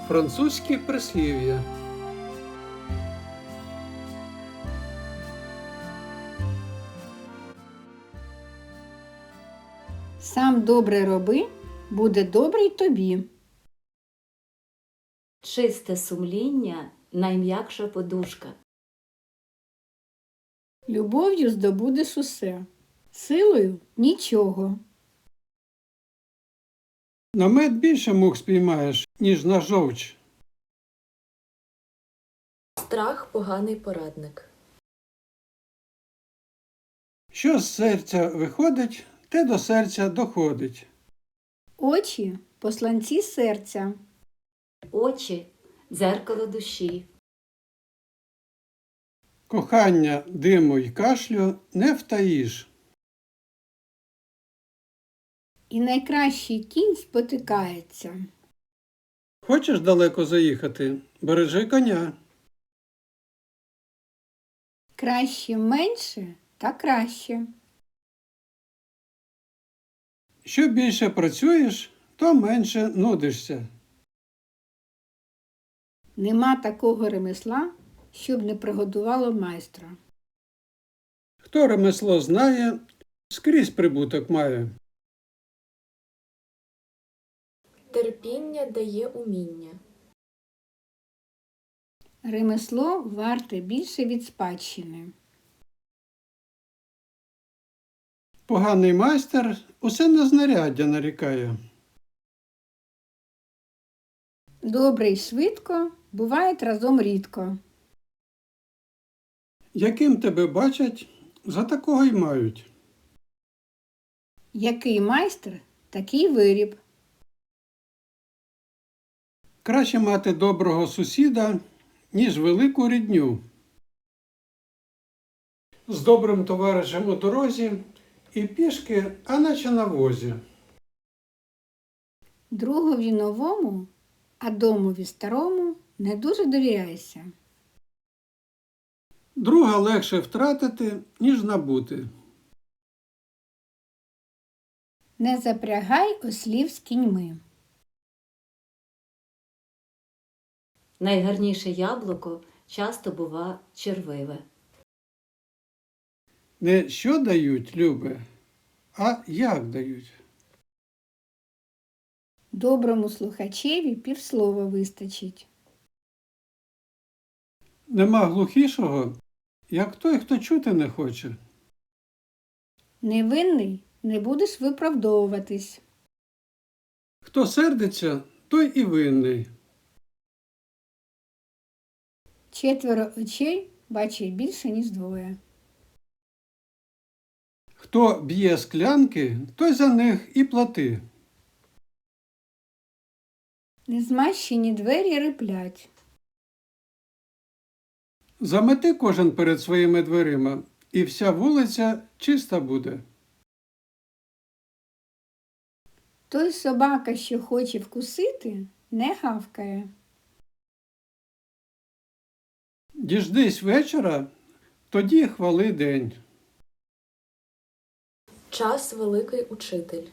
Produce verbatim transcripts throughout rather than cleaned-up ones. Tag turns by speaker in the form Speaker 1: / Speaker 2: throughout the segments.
Speaker 1: Французькі прислів'я.
Speaker 2: Сам добре роби, буде добре й тобі.
Speaker 3: Чисте сумління – найм'якша подушка.
Speaker 2: Любов'ю здобудеш усе, силою – нічого.
Speaker 1: На мед більше мух спіймаєш, ніж на жовч.
Speaker 3: Страх – поганий порадник.
Speaker 1: Що з серця виходить, те до серця доходить.
Speaker 2: Очі – посланці серця.
Speaker 3: Очі – дзеркало душі.
Speaker 1: Кохання, диму й кашлю не втаїш.
Speaker 2: І найкращий кінь спотикається.
Speaker 1: Хочеш далеко заїхати? Бережи коня.
Speaker 2: Краще менше та краще.
Speaker 1: Що більше працюєш, то менше нудишся.
Speaker 2: Нема такого ремесла, щоб не пригодувало майстра.
Speaker 1: Хто ремесло знає, скрізь прибуток має.
Speaker 3: Терпіння дає уміння.
Speaker 2: Ремесло варте більше від спадщини.
Speaker 1: Поганий майстер усе на знаряддя нарікає.
Speaker 2: Добре й швидко бувають разом рідко.
Speaker 1: Яким тебе бачать, за такого й мають.
Speaker 2: Який майстер, такий виріб.
Speaker 1: Краще мати доброго сусіда, ніж велику рідню. З добрим товаришем у дорозі і пішки, а наче на возі.
Speaker 2: Другові новому, а домові старому не дуже довіряйся.
Speaker 1: Друга легше втратити, ніж набути.
Speaker 2: Не запрягай ослів з кіньми.
Speaker 3: Найгарніше яблуко часто бува червиве.
Speaker 1: Не що дають, любе, а як дають.
Speaker 2: Доброму слухачеві півслова вистачить.
Speaker 1: Нема глухішого, як той, хто чути не хоче.
Speaker 2: Невинний не будеш виправдовуватись.
Speaker 1: Хто сердиться, той і винний.
Speaker 2: Четверо очей бачить більше, ніж двоє.
Speaker 1: Хто б'є склянки, той за них і плати.
Speaker 2: Незмащені двері риплять.
Speaker 1: Замети кожен перед своїми дверима, і вся вулиця чиста буде.
Speaker 2: Той собака, що хоче вкусити, не гавкає.
Speaker 1: Діждись вечора, тоді хвали день.
Speaker 3: Час – великий учитель.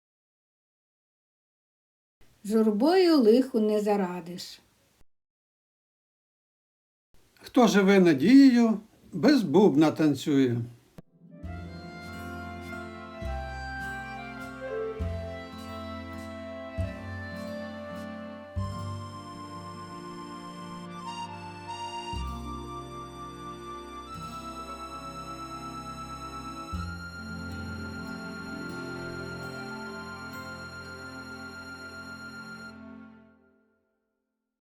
Speaker 2: Журбою лиху не зарадиш.
Speaker 1: Хто живе надією, без бубна танцює.